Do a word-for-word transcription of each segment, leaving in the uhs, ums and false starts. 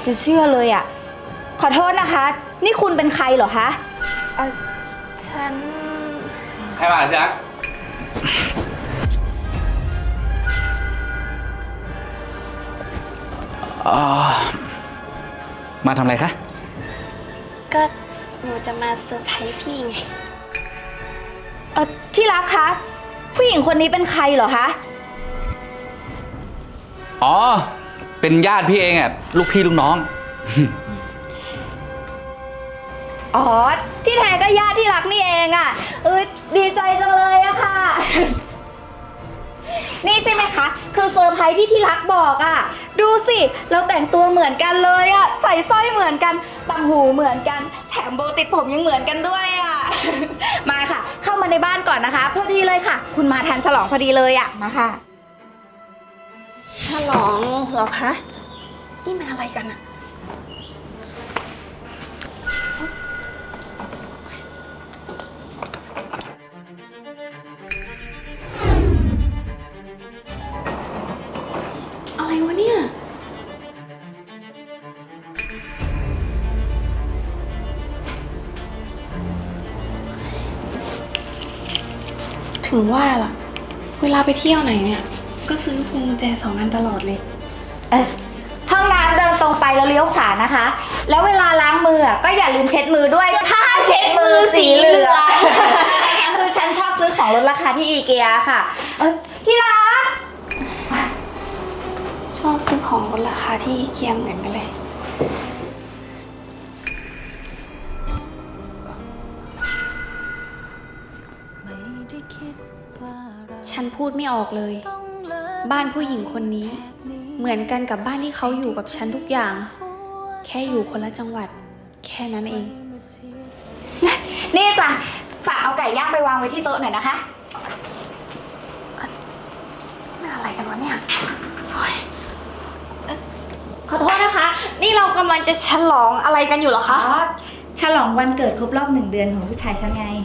จะเชื่อเลยอ่ะขอโทษนะคะนี่คุณเป็นใครเหรอคะเออฉันใครมาที่รักมาทำอะไรคะก็หนูจะมาเซอร์ไพรส์พี่ไงเออที่รักคะผู้หญิงคนนี้เป็นใครเหรอคะอ๋อเป็นญาติพี่เองอ่ะลูกพี่ลูกน้องอ๋อที่แท้ก็ญาติที่รักนี่เองอ่ะเออดีใจจังเลยอะค่ะนี่ใช่ไหมคะคือเซอร์ไพรส์ที่ที่รักบอกอ่ะดูสิเราแต่งตัวเหมือนกันเลยอ่ะใส่สร้อยเหมือนกันต่างหูเหมือนกันแถมโบติดผมยังเหมือนกันด้วยอ่ะมาค่ะเข้ามาในบ้านก่อนนะคะพอดีเลยค่ะ คุณมาทันฉลองพอดีเลยอ่ะมาค่ะฉลองเหรอคะนี่มันอะไรกันอะอะไรวะเนี่ยถึงว่าล่ะเวลาไปเที่ยวไหนเนี่ยก็ซื้อพวงกุญแจสองอันตลอดเลยเออห้องน้ำเดินตรงไปแล้วเลี้ยวขวานะคะแล้วเวลาล้างมือก็อย่าลืมเช็ดมือด้วยผ้าเช็ดมือสีเหลืองคือฉันชอบซื้อของลดราคาที่อีเกียค่ะเออที่รักชอบซื้อของลดราคาที่อีเกียเหมือนกันเลยฉันพูดไม่ออกเลยบ้านผู้หญิงคนนี้เหมือนกันกับบ้านที่เขาอยู่กับฉันทุกอย่างแค่อยู่คนละจังหวัดแค่นั้นเองนี่จ้ะฝากเอาไก่ย่างไปวางไว้ที่โต๊ะหน่อยนะคะนี่อะไรกันวะเนี่ยขอโทษนะคะนี่เรากำลังจะฉลองอะไรกันอยู่เหรอคะอ๋อฉลองวันเกิดครบรอบหนึ่งเดือนของผู้ชายฉันไง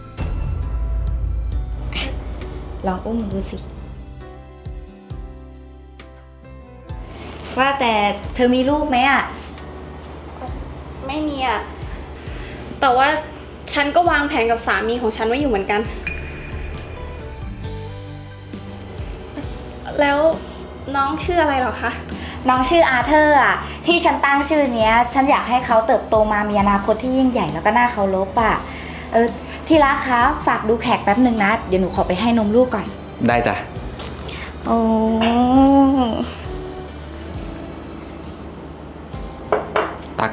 ลองอุ้มดูสิว่าแต่เธอมีลูกไหมอ่ะไม่มีอ่ะแต่ว่าฉันก็วางแผนกับสามีของฉันไว้อยู่เหมือนกันแล้วน้องชื่ออะไรเหรอคะน้องชื่ออาเธอร์อ่ะที่ฉันตั้งชื่อเนี้ยฉันอยากให้เขาเติบโตมามีอนาคตที่ยิ่งใหญ่แล้วก็น่าเคารพอ่ะเออที่รักคะฝากดูแขกแป๊บหนึ่งนะเดี๋ยวหนูขอไปให้นมลูกก่อนได้จ้ะโอ้ตัก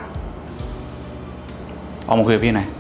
เอามาคุยกับพี่หน่อย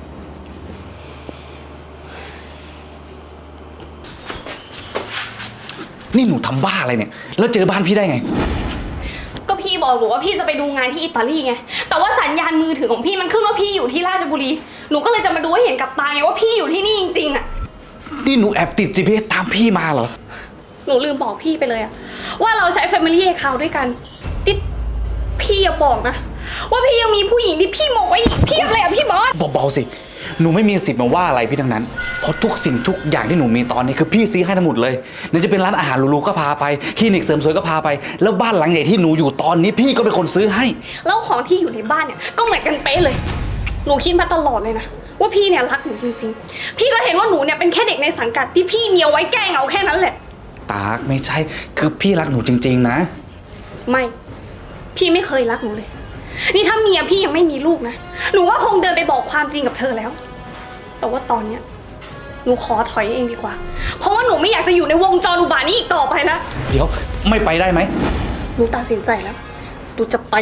นี่หนูทำบ้าอะไรเนี่ยแล้วเจอบ้านพี่ได้ไงก็พี่บอกหนูว่าพี่จะไปดูงานที่อิตาลีไงแต่ว่าสัญญาณมือถือของพี่มันขึ้นว่าพี่อยู่ที่ราชบุรีหนูก็เลยจะมาดูให้เห็นกับตาไงว่าพี่อยู่ที่นี่จริงๆอะนี่หนูแอบติด จี พี เอส ตามพี่มาเหรอหนูลืมบอกพี่ไปเลยอะว่าเราใช้ Family Account ด้วยกันที่พี่อย่าบอกนะว่าพี่ยังมีผู้หญิงที่พี่มองไว้อีกเพียบเลยอะพี่บอสเบาๆสิหนูไม่มีสิทธิ์มาว่าอะไรพี่ทั้งนั้นเพราะทุกสิ่งทุกอย่างที่หนูมีตอนนี้คือพี่ซื้อให้ทั้งหมดเลยนั่นจะเป็นร้านอาหารหรูๆก็พาไปคลินิกเสริมสวยก็พาไปแล้วบ้านหลังใหญ่ที่หนูอยู่ตอนนี้พี่ก็เป็นคนซื้อให้แล้วของที่อยู่ในบ้านเนี่ยก็เหมือนกันเป๊ะเลยหนูคิดมาตลอดเลยนะว่าพี่เนี่ยรักหนูจริงๆพี่ก็เห็นว่าหนูเนี่ยเป็นแค่เด็กในสังกัดที่พี่มีเอาไว้แกล้งเอาแค่นั้นแหละตากไม่ใช่คือพี่รักหนูจริงๆนะไม่พี่ไม่เคยรักหนูเลยนี่ถ้าเมียพี่ยังไม่มีลูกนะหนูว่าคงเดินไปบอกความจริงกับเธอแล้วแต่ว่าตอนเนี้ยหนูขอถอยเองดีกว่าเพราะว่าหนูไม่อยากจะอยู่ในวงจรอุบาทนี้อีกต่อไปนะเดี๋ยวไม่ไปได้ไหมหนูตัดสินใจแล้วหนูจะไป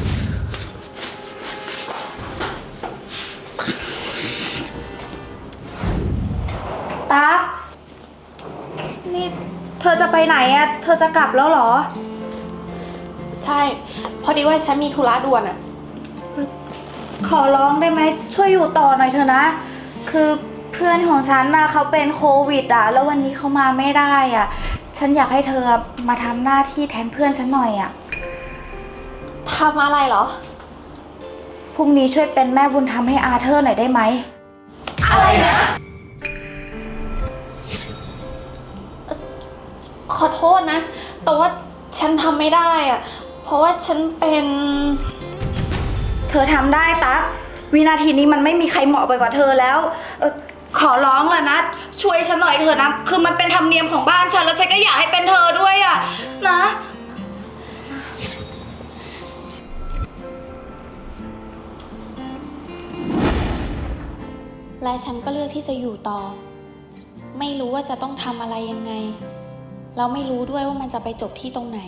ตั๊กนี่เธอจะไปไหนอะเธอจะกลับแล้วเหรอใช่พอดีว่าฉันมีธุระด่วนอะขอร้องได้ไหมช่วยอยู่ต่อหน่อยเถอะนะคือเพื่อนของฉันนะเขาเป็นโควิดอะแล้ววันนี้เขามาไม่ได้อะฉันอยากให้เธอมาทำหน้าที่แทนเพื่อนฉันหน่อยอะทำอะไรเหรอพรุ่งนี้ช่วยเป็นแม่บุญธรรมให้อาเธอร์หน่อยได้ไหมอะไรนะขอโทษนะแต่ว่าฉันทำไม่ได้อะเพราะว่าฉันเป็น เธอทำได้ตั๊กวินาทีนี้มันไม่มีใครเหมาะไปกว่าเธอแล้วเออขอร้องละนะช่วยฉันหน่อยเถอะนะคือมันเป็นธรรมเนียมของบ้านฉันแล้วฉันก็อยากให้เป็นเธอด้วยอะนะและฉันก็เลือกที่จะอยู่ต่อ ไม่รู้ว่าจะต้องทำอะไรยังไงแล้วไม่รู้ด้วยว่ามันจะไปจบที่ตรงไหน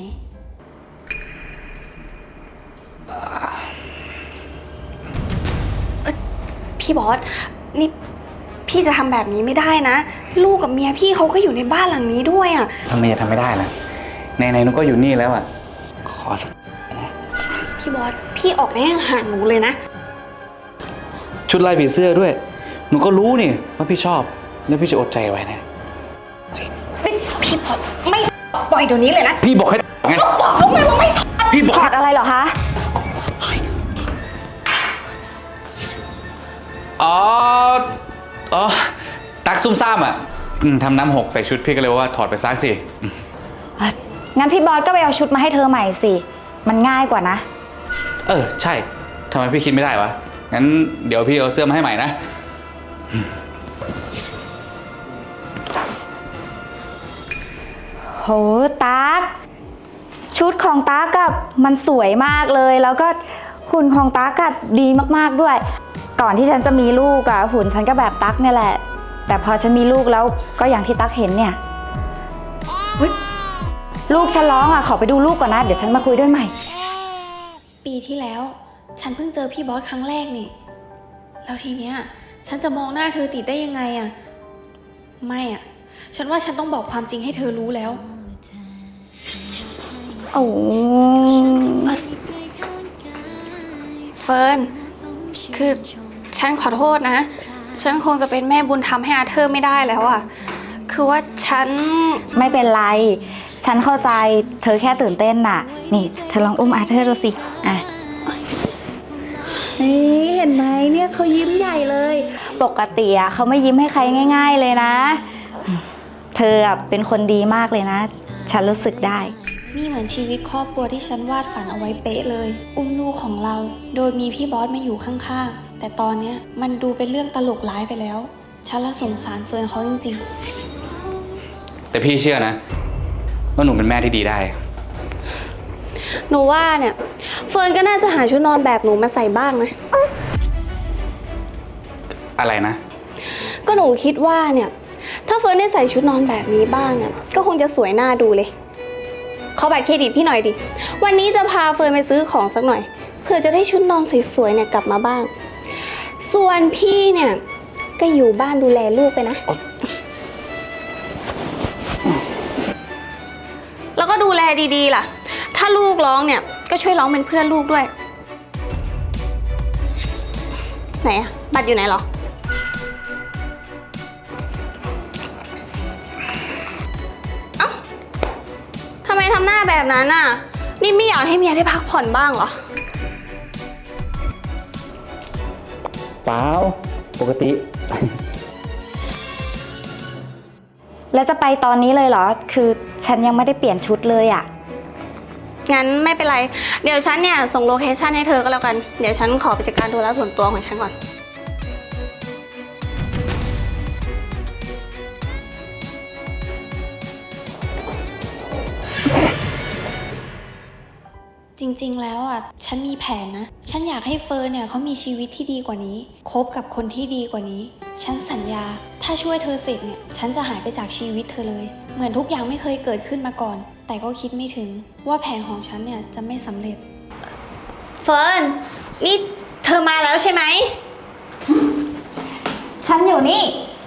พี่บอส นี่พี่จะทำแบบนี้ไม่ได้นะ ลูกกับเมียพี่เขาก็อยู่ในบ้านหลังนี้ด้วยอ่ะทำไมจะทำไม่ได้ล่ะไหนๆหนูก็อยู่นี่แล้วอ่ะขอสักนะพี่บอส พี่ออกแน่ห่างหนูเลยนะชุดลายผีเสื้อด้วย หนูก็รู้นี่ว่าพี่ชอบแล้วพี่จะอดใจไว้นะจริงพี่บอสไม่ปล่อยเดี๋ยวนี้เลยนะพี่บอกให้ไงก็บอกแล้วไงว่าไม่ถอดพี่บอกถอดอะไรเหรอคะอ๋ออ๋อตักซุ่มซ่ามอ่ะอืมทำน้ำหกใส่ชุดพี่ก็เลยว่าถอดไปซักสิอืมงั้นพี่บอสก็ไปเอาชุดมาให้เธอใหม่สิมันง่ายกว่านะเออใช่ทำไมพี่คิดไม่ได้วะงั้นเดี๋ยวพี่เอาเสื้อมาให้ใหม่นะโหตั๊กชุดของตั๊กอะมันสวยมากเลย แล้วก็หุ่นของตั๊กอะดีมากๆด้วย ก่อนที่ฉันจะมีลูกอะหุ่นฉันก็แบบตั๊กเนี่ยแหละ แต่พอฉันมีลูกแล้วก็อย่างที่ตั๊กเห็นเนี่ยเฮ้ยลูกฉันร้องอะขอไปดูลูกก่อนนะเดี๋ยวฉันมาคุยด้วยใหม่ปีที่แล้ว ฉันเพิ่งเจอพี่บอสครั้งแรกนี่ แล้วทีเนี้ยฉันจะมองหน้าเธอติดได้ยังไงอะไม่อะฉันว่าฉันต้องบอกความจริงให้เธอรู้แล้วโอ้เฟิร์น คือฉันขอโทษนะ ฉันคงจะเป็นแม่บุญธรรมให้อาเธอร์ไม่ได้แล้วอะคือว่าฉันไม่เป็นไร ฉันเข้าใจเธอแค่ตื่นเต้นน่ะ นี่เธอลองอุ้มอาเธอร์ดูสิอ่ะนี่เห็นไหมเนี่ยเขายิ้มใหญ่เลย ปกติอะเขาไม่ยิ้มให้ใครง่าย ๆเลยนะ เธออะเป็นคนดีมากเลยนะ ฉันรู้สึกได้นี่เหมือนชีวิตครอบครัวที่ฉันวาดฝันเอาไว้เป๊ะเลย อุ้มลูกของเรา โดยมีพี่บอสมาอยู่ข้างๆ แต่ตอนเนี้ยมันดูเป็นเรื่องตลกร้ายไปแล้ว ฉันละสงสารเฟิร์นเขาจริงๆแต่พี่เชื่อนะว่าหนูเป็นแม่ที่ดีได้หนูว่าเนี่ย เฟิร์นก็น่าจะหาชุดนอนแบบหนูมาใส่บ้างนะอะไรนะก็หนูคิดว่าเนี่ย ถ้าเฟิร์นได้ใส่ชุดนอนแบบนี้บ้างเนี่ยก็คงจะสวยน่าดูเลยขอบัตรเครดิตพี่หน่อยดิวันนี้จะพาเฟิร์นไปซื้อของสักหน่อยเพื่อจะได้ชุดนอนสวยๆเนี่ยกลับมาบ้าง ส่วนพี่เนี่ยก็อยู่บ้านดูแลลูกไปนะ แล้วก็ดูแลดีๆล่ะ ถ้าลูกร้องเนี่ยก็ช่วยร้องเป็นเพื่อนลูกด้วยไหนอะบัตรอยู่ไหนหรอทำไมทำหน้าแบบนั้นน่ะ นี่ไม่อยากให้เมียได้พักผ่อนบ้างเหรอเปล่า ปกติแล้วจะไปตอนนี้เลยเหรอ คือฉันยังไม่ได้เปลี่ยนชุดเลยอะงั้นไม่เป็นไร เดี๋ยวฉันเนี่ยส่งโลเคชั่นให้เธอก็แล้วกัน เดี๋ยวฉันขอไปจัดการธุระส่วนตัวของฉันก่อนจริงๆ แล้วอ่ะ ฉันมีแผนนะ ฉันอยากให้เฟิร์นเนี่ยเขามีชีวิตที่ดีกว่านี้ คบกับคนที่ดีกว่านี้ ฉันสัญญา ถ้าช่วยเธอเสร็จเนี่ย ฉันจะหายไปจากชีวิตเธอเลย เหมือนทุกอย่างไม่เคยเกิดขึ้นมาก่อน แต่ก็คิดไม่ถึงว่าแผนของฉันเนี่ยจะไม่สำเร็จเฟิร์น นี่เธอมาแล้วใช่ไหมฉันอยู่นี่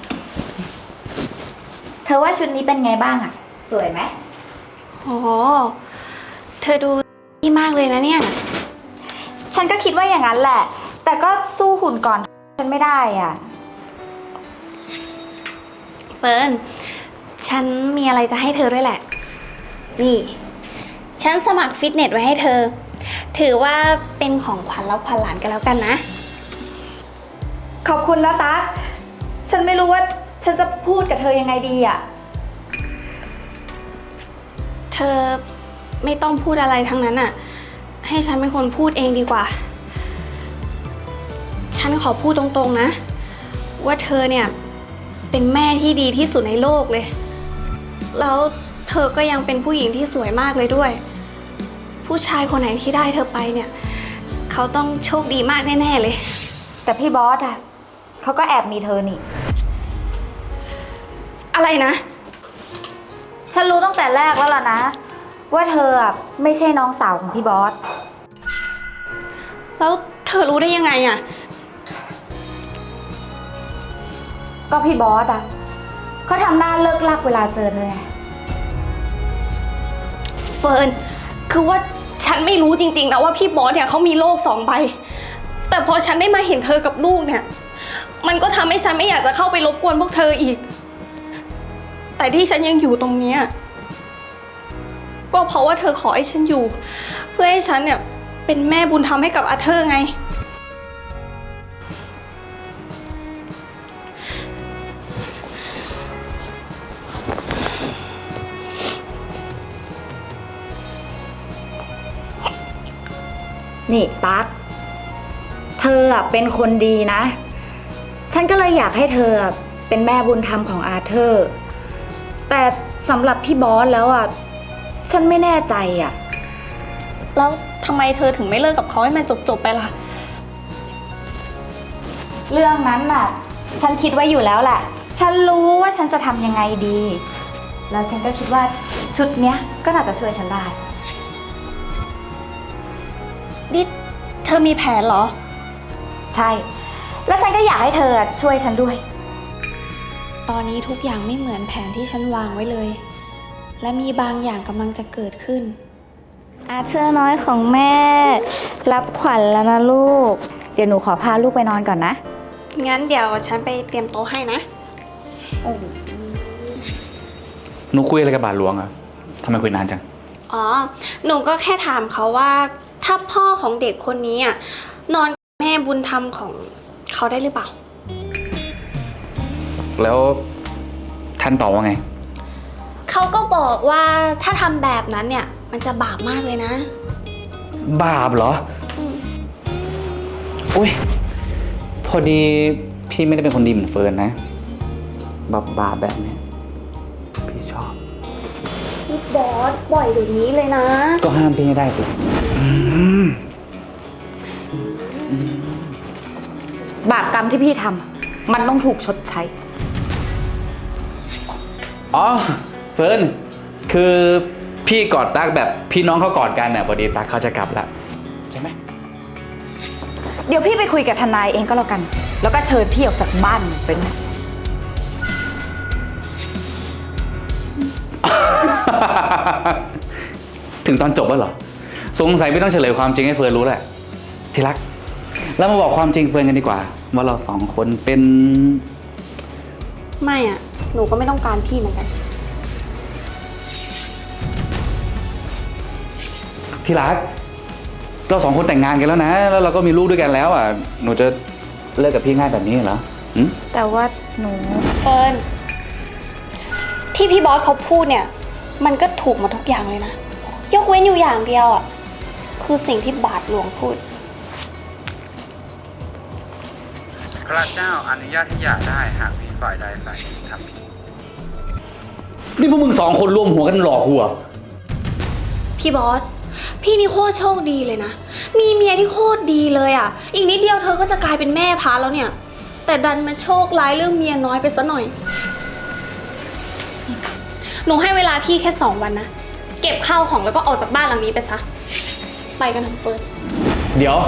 เธอว่าชุดนี้เป็นไงบ้างอะสวยไหมโอ้เธอดูดีมากเลยนะเนี่ยฉันก็คิดว่าอย่างนั้นแหละ แต่ก็สู้หุ่นก่อนฉันไม่ได้อ่ะเฟิร์น ฉันมีอะไรจะให้เธอด้วยแหละ นี่ ฉันสมัครฟิตเนสไว้ให้เธอ ถือว่าเป็นของขวัญรับขวัญหลานกันแล้วกันนะขอบคุณนะตั๊กฉันไม่รู้ว่าฉันจะพูดกับเธอยังไงดีอ่ะเธอไม่ต้องพูดอะไรทั้งนั้นอ่ะให้ฉันเป็นคนพูดเองดีกว่า ฉันขอพูดตรงๆนะ ว่าเธอเนี่ยเป็นแม่ที่ดีที่สุดในโลกเลย แล้วเธอก็ยังเป็นผู้หญิงที่สวยมากเลยด้วย ผู้ชายคนไหนที่ได้เธอไปเนี่ย เขาต้องโชคดีมากแน่ๆเลยแต่พี่บอสอะเขาก็แอบมีเธอนี่อะไรนะฉันรู้ตั้งแต่แรกแล้วล่ะนะ ว่าเธออะไม่ใช่น้องสาวของพี่บอสแล้วเธอรู้ได้ยังไงอะก็พี่บอสอะเขาทำหน้าเลิกลักเวลาเจอเธอไงเฟิร์น คือว่าฉันไม่รู้จริงๆนะว่าพี่บอสเนี่ยเขามีโลกสองใบ แต่พอฉันได้มาเห็นเธอกับลูกเนี่ย มันก็ทำให้ฉันไม่อยากจะเข้าไปรบกวนพวกเธออีก แต่ที่ฉันยังอยู่ตรงเนี้ยก็เพราะว่าเธอขอให้ฉันอยู่ เพื่อให้ฉันเนี่ยเป็นแม่บุญธรรมให้กับอาเธอร์ไงนี่ตั๊กเธออะเป็นคนดีนะ ฉันก็เลยอยากให้เธออะเป็นแม่บุญธรรมของอาเธอร์ แต่สำหรับพี่บอสแล้วอ่ะ ฉันไม่แน่ใจอ่ะแล้วทำไมเธอถึงไม่เลิกกับเขาให้มันจบๆไปล่ะเรื่องนั้นน่ะ ฉันคิดไว้อยู่แล้วแหละ ฉันรู้ว่าฉันจะทำยังไงดี แล้วฉันก็คิดว่าชุดเนี้ยก็น่าจะช่วยฉันได้ดิเธอมีแผนเหรอใช่ แล้วฉันก็อยากให้เธอช่วยฉันด้วยตอนนี้ทุกอย่างไม่เหมือนแผนที่ฉันวางไว้เลย และมีบางอย่างกำลังจะเกิดขึ้นอาเธอร์น้อยของแม่ รับขวัญแล้วนะลูก เดี๋ยวหนูขอพาลูกไปนอนก่อนนะงั้นเดี๋ยวฉันไปเตรียมโต๊ะให้นะหนูคุยอะไรกับบาทหลวงอะทำไมคุยนานจังอ๋อ หนูก็แค่ถามเขาว่า ถ้าพ่อของเด็กคนนี้อ่ะนอนกับแม่บุญธรรมของเขาได้หรือเปล่าแล้วท่านตอบว่าไงเขาก็บอกว่าถ้าทำแบบนั้นเนี่ย มันจะบาปมากเลยนะบาปเหรออืมอุ้ย พอดีพี่ไม่ได้เป็นคนดีเหมือนเฟิร์นนะ บาปบาปแบบเนี้ยพี่ชอบพี่บอสปล่อยเดี๋ยวนี้เลยนะก็ห้ามพี่ให้ได้สิอืมบาปกรรมที่พี่ทำมันต้องถูกชดใช้อ๋อ เฟิร์น คือพี่กอดตั๊กแบบพี่น้องเขากอดกันเนี่ยพอดีตั๊กเขาจะกลับละใช่ไหมเดี๋ยวพี่ไปคุยกับทนายเองก็แล้วกัน แล้วก็เชิญพี่ออกจากบ้านเป็นถึงตอนจบแล้วเหรอ สงสัยไม่ต้องเฉลยความจริงให้เฟิร์นรู้แหละ ที่รัก เรามาบอกความจริงเฟิร์นกันดีกว่า ว่าเราสองคนเป็นไม่อ่ะ หนูก็ไม่ต้องการพี่เหมือนกันที่รัก เราสองคนแต่งงานกันแล้วนะ แล้วเราก็มีลูกด้วยกันแล้วอ่ะ หนูจะเลิกกับพี่ง่ายแบบนี้เหรอหืมแต่ว่าหนูเฟิร์น ที่พี่บอสเขาพูดเนี่ย มันก็ถูกหมดทุกอย่างเลยนะ ยกเว้นอยู่อย่างเดียวอ่ะ คือสิ่งที่บาทหลวงพูดพระเจ้าอนุญาตให้หย่าได้หากมีฝ่ายใดฝ่ายหนึ่งทำผิดนี่พวกมึงสองคนรวมหัวกันหลอกหัวพี่บอส พี่นี่โคตรโชคดีเลยนะ มีเมียที่โคตรดีเลยอ่ะ อีกนิดเดียวเธอก็จะกลายเป็นแม่พาแล้วเนี่ย แต่ดันมาโชคร้ายเรื่องเมียน้อยไปซะหน่อย หนูให้เวลาพี่แค่สองวันนะ เก็บข้าวของแล้วก็ออกจากบ้านหลังนี้ไปซะ ไปกันเถอะเฟิร์นเดี๋ยว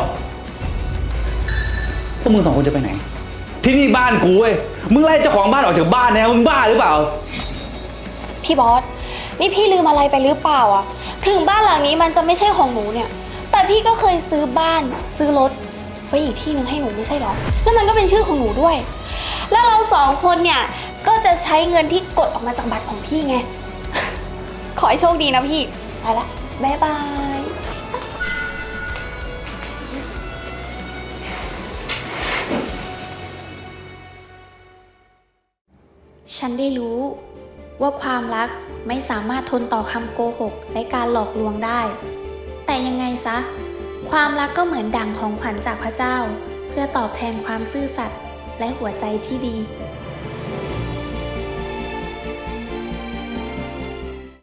พวกมึงสองคนจะไปไหน ที่นี่บ้านกูเว้ย มึงไล่เจ้าของบ้านออกจากบ้านนะมึงบ้าหรือเปล่าพี่บอส นี่พี่ลืมอะไรไปหรือเปล่าอ่ะ ถึงบ้านหลังนี้มันจะไม่ใช่ของหนูเนี่ย แต่พี่ก็เคยซื้อบ้านซื้อรถไว้อีกที่หนึงให้หนูไม่ใช่หรอ แล้วมันก็เป็นชื่อของหนูด้วย แล้วเราสองคนเนี่ยก็จะใช้เงินที่กดออกมาจากบัตรของพี่ไง ขอให้โชคดีนะพี่ ไปละ บ๊ายบายฉันได้รู้ว่าความรักไม่สามารถทนต่อคำโกหกและการหลอกลวงได้ แต่ยังไงซะความรักก็เหมือนดั่งของขวัญจากพระเจ้า เพื่อตอบแทนความซื่อสัตย์และหัวใจที่ดี